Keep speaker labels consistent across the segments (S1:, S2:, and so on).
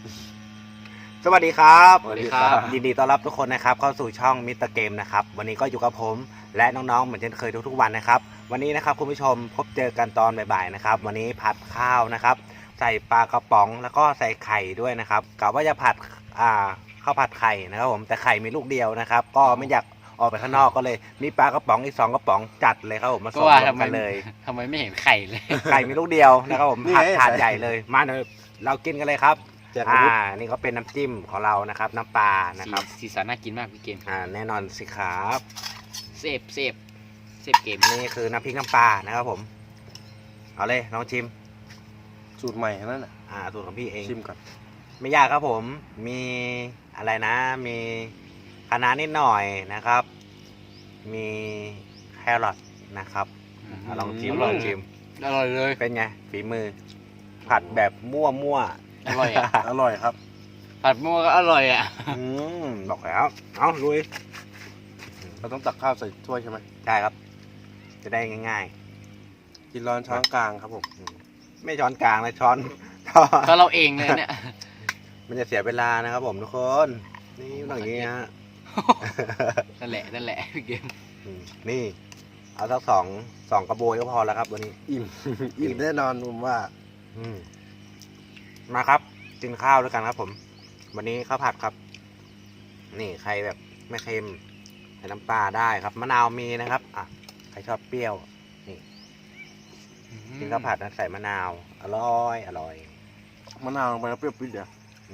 S1: สวัสดีครับ
S2: สวัสดีครับ
S1: ยินดีต้อนรับทุกคนนะครับเข้าสู่ช่องมิสเตอร์เกมนะครับวันนี้ก็อยู่กับผมและน้องๆเหมือนเช่นเคยทุกๆวันนะครับวันนี้นะครับคุณผู้ชมพบเจอกันตอนบ่ายๆนะครับวันนี้ผัดข้าวนะครับใส่ปลากระป๋องแล้วก็ใส่ไข่ด้วยนะครับกะว่าจะผัดข้าวผัดไข่นะครับผมแต่ไข่มีลูกเดียวนะครับก็ไม่อยากออกไปข้างนอกก็เลยมีปลากระป๋องอีก2 กระป๋องจัดเลยครับผมมา
S2: ก็
S1: ส่ง
S2: ว่าร
S1: วมกันเลย
S2: ทำไมไม่เห็นไข่เลย
S1: ไข่มีลูกเดียวนะครับผม
S3: นี่
S1: ผัด
S3: ไง
S1: ถาดใหญ่เลยมาเลยเรากินกันเลยครับ
S3: แจกอาวุธ
S1: นี่ก็เป็นน้ำจิ้มของเรานะครับน้ำปลานะครับ
S2: สีสันน่ากินมากพี่เกม
S1: แน่นอนสิครับ
S2: เซฟเกม
S1: นี่คือน้ำพริกน้ำปลานะครับผมเอาเลยลองชิม
S3: สูตรใหม่นั่นน่ะ
S1: สูตรของพี่เอง
S3: ชิมก่อน
S1: ไม่ยากครับผมมีอะไรนะมีคะน้านิดหน่อยนะครับ มีแครอทนะครับลองชิม
S2: อ
S1: ล
S2: ร่อ
S1: อย งชิม
S2: อร่อยเลย
S1: เป็นไงฝีมือ ผัดแบบมั่ว
S2: อร่อยอ่ะ
S3: อร่อยครับ
S2: ผัดมั่วก็อร่อยอ่ะ
S1: บอกแล้วเอาลุย
S3: เราต้องตักข้าวใส่ถ้วยใช่ไหม
S1: ได้ครับ จะได้ง่าย
S3: กินร้อนช้อนกลางครับผม
S1: ๆ ไม่ช้อนกลางนะช้อน
S2: ก็เราเองเลยเนี่ย
S1: มันจะเสียเวลานะครับผมทุกคนนี่ต้องอย่างนี้ฮะ
S2: นั่นแหละพี่เกม
S1: นี่เอาสักสองกระบวยก็พอแล้วครับวันนี้
S3: อิ่ม อิ่มแน่นอนผมว่า
S1: มาครับกินข้าวด้วยกันครับผม วันนี้ข้าวผัดครับ นี่ใครแบบไม่เค็มใส่น้ำปลาได้ครับมะนาวมีนะครับใครชอบเปรี้ยวนี่กินข้าวผัดนะใส่มะนาวอร่อย
S3: มะนาวลงไปแล้วเปรี้ยวปิดเดียว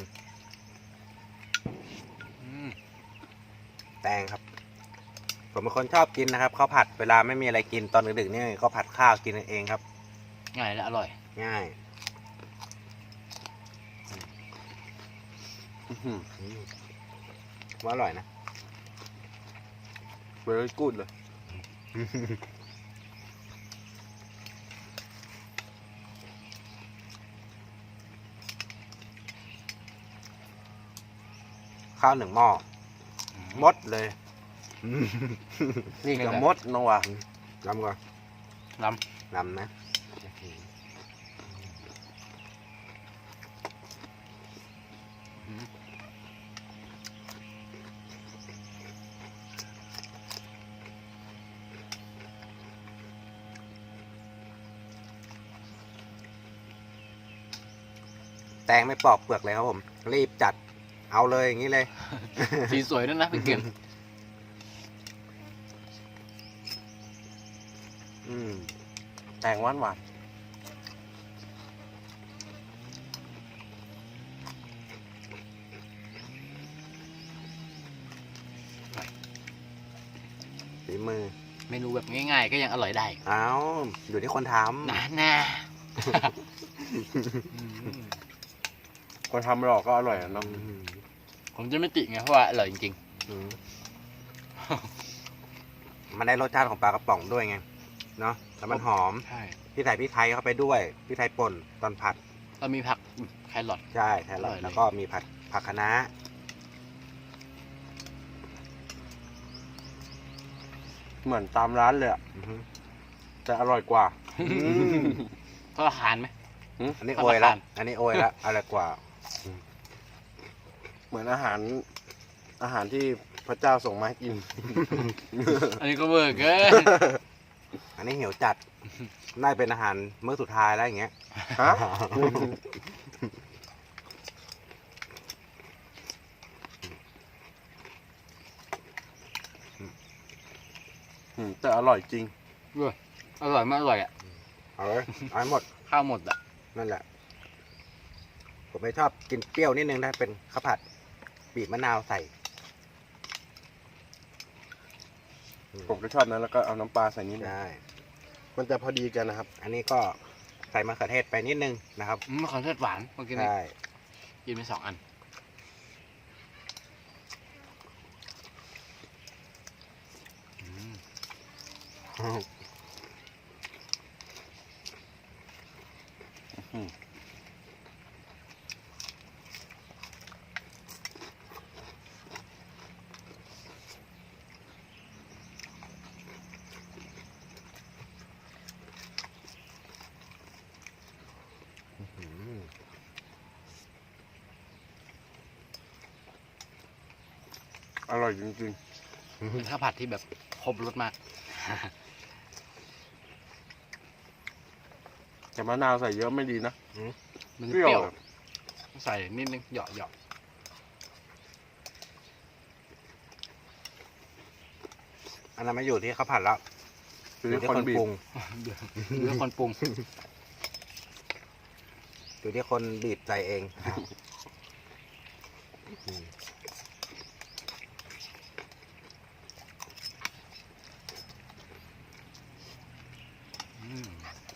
S1: แตงครับ ผมเป็นคนชอบกินนะครับข้าวผัดเวลาไม่มีอะไรกินตอนดึกๆนี่ก็ผัดข้าวกินเองครับ
S2: ง่ายและอร่อย
S1: ง่าย ว่าอร่อยนะ
S3: เวรี่กูดเลย
S1: ข้าว1 หม้อหมดเลย
S3: นี่กับมดน้องว่ะ
S1: ลำก่อน
S2: ล
S1: ลำนะแตงไม่ปอกเปลือกเลยครับผม รีบจัดเอาเลยอย่างนี้เลย
S2: ำสีสวยด้วยนะพี่เกม
S3: แตงหวานหวาน
S1: ฝีมือ
S2: เมนูแบบง่ายๆก็ยังอร่อยได้
S1: เอาอยู่ที่คนท
S2: นะ
S3: คนทำหลอกก็อร่อยอะเนาะ
S1: ำ
S2: ผมจะไม่ติไงเพราะว่าอร่อยจริง
S1: มันได้รสชาติของปลากระป๋องด้วยไง เนาะแล้วมันหอม
S2: ๆใช่
S1: พี่ใส่พริกไทยเข้าไปด้วยพริกไทยป่นตอนผัด
S2: เรามีผักแครอท
S1: ใช่แครอท
S2: อร่อยเลย
S1: แล้วก็มีผักคะน้า
S3: เหมือนตามร้านเลยอะ
S1: อือฮึ
S3: แต่อร่อยกว่า
S2: ก็อาหารไหม
S1: อันนี้
S2: ผัก
S1: โอยละ
S2: คะน้า
S1: อันนี้โอยละอะไรกว่า
S3: เหมือนอาหารที่พระเจ้าส่งมาให้กิน
S2: อันนี้ก็เวอร์เกิน
S1: อันนี้เหี่ยวจัดน่าจะเป็นอาหารมื้อสุดท้ายแล้วอย่างเงี้ย
S3: ฮะ แต่อร่อยจริง
S2: อร่อยไม่อร่อยอ่ะ
S1: เอาเลยเอาให้หมด
S2: ข้าวหมดอ่ะ
S1: นั่นแหละ ผมไม่ชอบกินเปรี้ยวนิดนึงถ้าเป็นข้าวผัดบีบมะนาวใส่
S3: ผมก็ชอบนะแล้วก็เอาน้ำปลาใส่นิดนึง
S1: ได้
S3: มันจะพอดีกันนะครับ
S1: อันนี้ก็ใส่มะเขือเทศไปนิดนึงนะครับ
S2: มะเขือเทศหวานเมื่อกี้นี้
S1: ใช่
S2: กินไป2 อัน
S3: อร่อยจริง
S2: เป็นข้าวผัดที่แบบครบรสมาก
S3: ๆแต่มะนาวใส่เยอะไม่ดีนะ
S2: มันจะ
S3: เปรี้
S2: เปรี้
S3: ย
S2: ยว วใส่นิดนึงเหยาะเหยาะ
S1: อันนั้นไม่อยู่ที่ข้าวผัดแล้ว
S3: คือคนบี
S1: ปรุ
S3: บ
S1: ง
S2: เรื่องคนปรุง
S1: อยู่ที่คนบีบใส่เอง
S2: อืม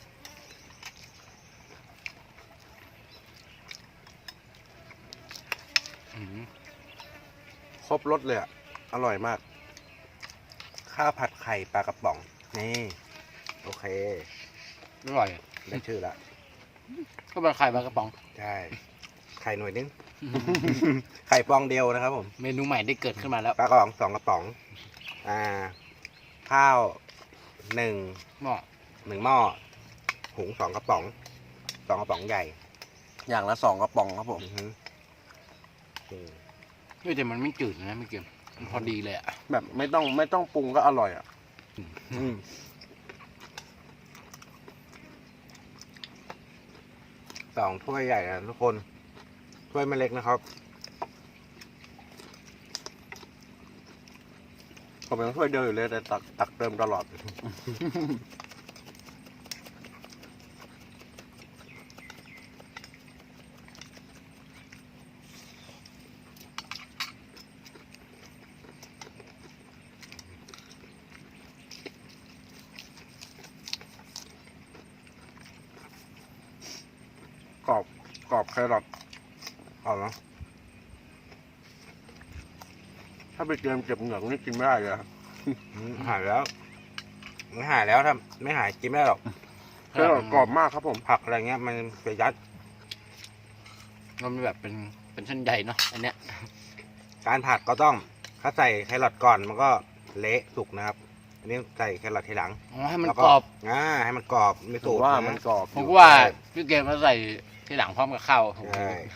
S2: อืม
S3: ครบรสเลยอ่ะ อร่อยมาก
S1: ข้าวผัดไข่ปลากระป๋อง นี่ โอเค
S2: อร่อย
S1: ได้ชื่อละ
S2: ก็เป็นไข่ปลากระป๋อง
S1: ใช่ ไข่หน่วยนึง ไข่ฟองเดียวนะครับผม
S2: เมนูใหม่ได้เกิดขึ้นมาแล้ว
S1: ปลากระป๋อง2 กระป๋อง ข้าว1
S2: หม้อ
S1: 1 หม้อ หุง2 กระป๋อง2 กระป๋องใหญ่
S3: อย่างละ2 กระป๋องครับผม
S1: อือฮึอืม
S2: เฮ้ยแต่มันไม่จืดนะไม่เกี่ยวมันพอดีเลยอ่ะ
S3: แบบไม่ต้องปรุงก็อร่อยอ่ะ
S1: อืม2 ถ้วยใหญ่นะทุกคน ถ้วยไม่เล็กนะครับ
S3: ผมยังช่วยเดียวอยู่เลยแต่ตักเติมตลอด กรอบแครอท
S1: เอาเนาะ
S3: ถ้าไปเกมเก็บเหงือกนี่กินไม่ได้เลยอะ
S1: หายแล้ว ไม่หายแล้วถ้าไม่หายกินไม่ได้หรอก
S3: แครอทกรอบมากครับผม
S1: ผักอะไรเงี้ยมันไปยัด
S2: มันแบบเป็นเส้นใยเนาะอันเนี้ย
S1: การผัดก็ต้องถ้าใส่แครอทก่อนมันก็เละสุกนะครับ อันนี้ใส่แครอททีหลัง
S2: อ๋อให้มัน
S1: แล้ว
S2: กรอบ
S1: ให้มันกรอบไม่
S3: ถื
S1: สุ
S3: อก ว่า
S1: นะ
S3: มันกรอบ
S2: ผมก็ว่าพี่เกมมาใส่ที่หลังพร้อมกับข้าว
S1: ใช่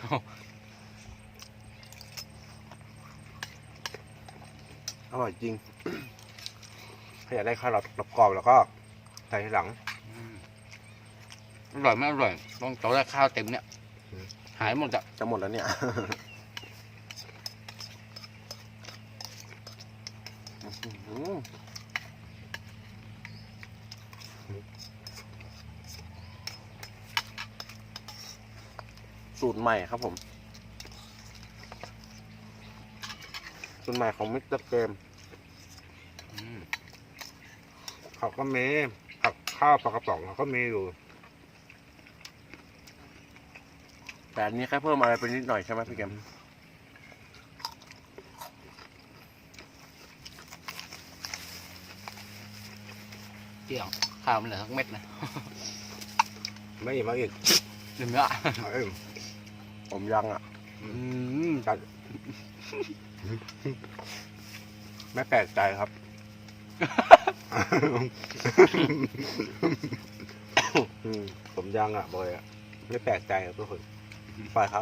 S3: อร่อยจริง
S1: ถ้าอยากได้แครอทกรอบๆแล้วก็ใส่ทีหลัง
S2: อืมอร่อยไม่อร่อยต้องโต๊ะแรกข้าวเต็มเนี่ย
S1: อืม
S2: หายหมดอ่ะ
S3: จะหมดแล้วเนี่ย สูตรใหม่ครับผม สูตรใหม่ของมิสเตอร์เกม
S2: อืม
S1: เขาก็มีผักข้าวปลากระป๋องเขาก็มีอยู่
S3: แต่อันนี้แค่เพิ่มอะไรไปนิดหน่อยใช่ไหมพี่เกม
S2: เกี่ยวข้าวมันเหลือสักเม็ดนะ
S1: ไม่อิ่มเอาอีก
S2: เดี๋ยวเนื้อ
S1: เอาอีก
S3: ผมยังอ่ะ
S2: อืม
S1: จัดไม่แปลกใจครับ ผมยังอ่ะบอยอ่ะไม่แปลกใจครับทุกคนปล่อยเขา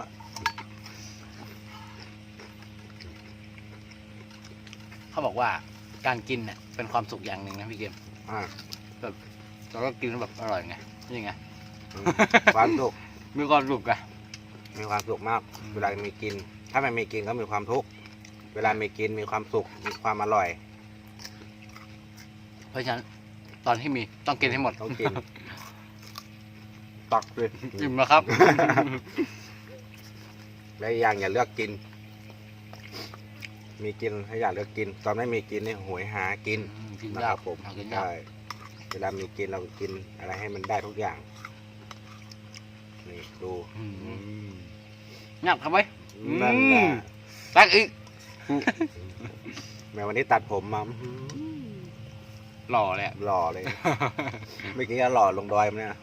S2: เขาบอกว่าการกินเนี่ยเป็นความสุขอย่างหนึ่งนะพี่เกม
S1: อ่า
S2: เราก็กินแล้วแบบอร่อยไงนี่ไง
S1: ความสุข
S2: มีความสุขอะ
S1: มีความสุขมาก เวลามีกิน ถ้าไม่มีกินก็มีความทุกข์เวลามีกินมีความสุขมีความอร่อย
S2: เพราะฉะนั้นตอนที่มีต้องกินให้หมด
S1: ต้องกิน
S3: ตักเลย
S2: อิ่มแล้วครับ
S1: และอีกอย่างอย่าเลือกกิน มีกินให้อย่าเลือกกิน ตอนไม่มีกินนี่หวยหากิน
S2: กิน
S1: นะ
S2: ยา
S1: ค
S2: ก
S1: รับผม
S2: หากินยาก
S1: ใช่เวลามีกินเรากินอะไรให้มันได้ทุกอย่างนี่ดู
S2: อืม
S1: อืม
S2: ยากทำไม
S1: นั่นแหละ
S2: ตักอีก
S1: แม้วันนี้ตัดผมมา
S2: หล่อเลยอะ
S1: หล่อเลย เมื่อกี้ก็หล่อลงดอยมันเนี่ย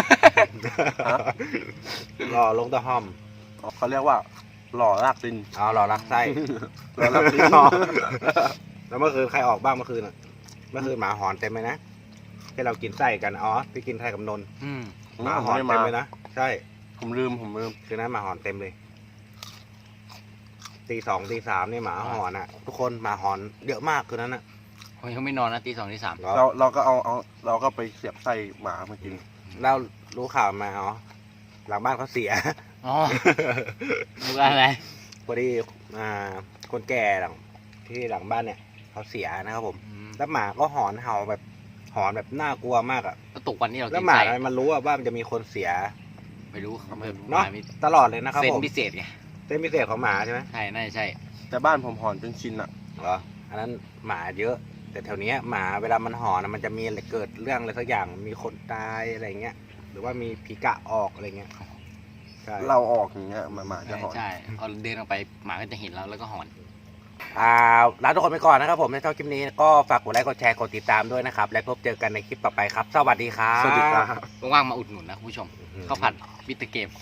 S1: หล่อลงตะห้อม
S3: เขาเรียกว่า หล่อรากดิน
S1: อ๋อหล่อรักไส้
S3: หล่อรักดิน
S1: แล้วเมื่อคืนใครออกบ้างเมื่อคืนอ่ะ เมื่อคืนหมาหอนเต็มเลยนะที่เรากินไส้กัน อ๋อที่กินไส้กับนนท์
S2: อืม
S1: หมาหอนเต็มเลยนะ ใช่
S3: ผมลืม
S1: คืนนั้นหมาหอนเต็มเลยตีสองตีสามนี่หมาหอนอ่ะ ทุกคนหมาหอนเยอะมากคืนนั้นอ่ะ
S2: ผมยังไม่นอนนะตี 2 ตี 3
S3: เราก็เราก็ไปเสียบไส้หมามากิน
S1: เรารู้ข่าวมาอ๋อหลังบ้านเขาเสีย
S2: อ๋อดูอะไร
S1: พอดีคนแก่ที่หลังบ้านเนี่ยเขาเสียนะครับผม แล้วหมาก็หอนเห่าแบบหอนแบบน่ากลัวมากอ่ะ
S2: แล้วตกวันนี้เรา
S1: แล้ว
S2: กิน
S1: หมา
S2: ไส้
S1: อะไรมันรู้ว่ามันจะมีคนเสีย
S2: ไม่รู้เขาไม่
S1: เนาะ
S2: หมามี
S1: ตลอดเลยนะครับ
S2: เซน
S1: ผม
S2: พิเศษไง
S1: เส้นพิเศษของหมาใช่ไหม
S2: ใช่น่าจะใช่
S3: แต่บ้านผมหอนจนชินอ่ะ
S1: เหรออันนั้นหมาเยอะ แต่แถวเนี้ยหมาเวลามันหอนอะมันจะมีอะไรเกิดเรื่องอะไรสักอย่างมีคนตายอะไรเงี้ยหรือว่ามีผีกะออกอะไรเงี้ยใช่
S3: เราออกอย่างเงี้ยหมาจะหอน
S2: ใช่พอเดินออกไปหมาก็จะเห็นเราแล้วก็หอน
S1: ลาทุกคนไปก่อนนะครับผมในชอบคลิปนี้ก็ฝากกดไลค์กดแชร์กดติดตามด้วยนะครับและพบเจอกันในคลิปต่อไปครับ สวัสดีครับ
S3: สวัสดีครับ
S2: ว่างๆมาอุดหนุนนะคุณผู้ชมข้าวผัดมิสเตอร์เกม